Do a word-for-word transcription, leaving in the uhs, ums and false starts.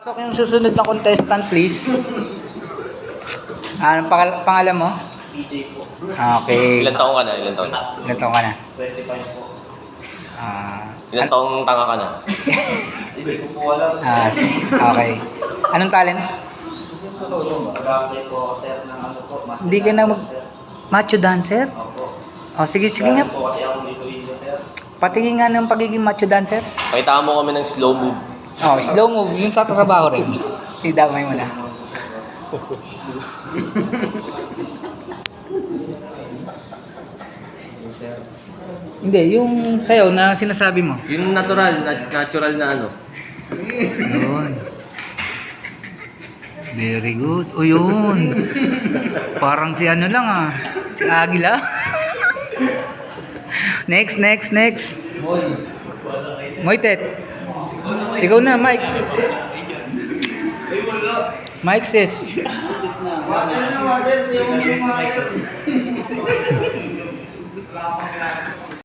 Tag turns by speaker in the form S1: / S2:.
S1: So, yung susunod na contestant, please. Anong pangal- pangalan mo?
S2: D J po.
S1: Okay.
S3: Ilan taong ka na? Ilan taong na?
S1: Ilan taon ka na?
S2: twenty-five po.
S1: Ah,
S3: Ilan taong tanga ka na?
S2: Hindi ko po alam.
S1: ah, okay. Anong talent?
S2: Mag-apply po ako, sir, ng ano po. math
S1: Hindi ka na mag...
S2: sir.
S1: Macho dancer?
S2: Opo.
S1: Oh, sige, sige nga.
S2: Galing po kasi ako dito dito, sir.
S1: Patingin nga ng pagiging macho dancer.
S3: Pakita mo kami ng slow move.
S1: Oh, slow move. Yung sa trabaho rin. Idamay mo na.
S2: Sir.
S1: Hindi, yung sayaw na sinasabi mo.
S3: Yung natural, na- natural na ano.
S1: Yun. Very good. O yun. Parang si ano lang ah. Si Agila. Next, next, next. Moitet. Ikaw na, Mike. Mike sis.
S2: Water na water, siya yung water.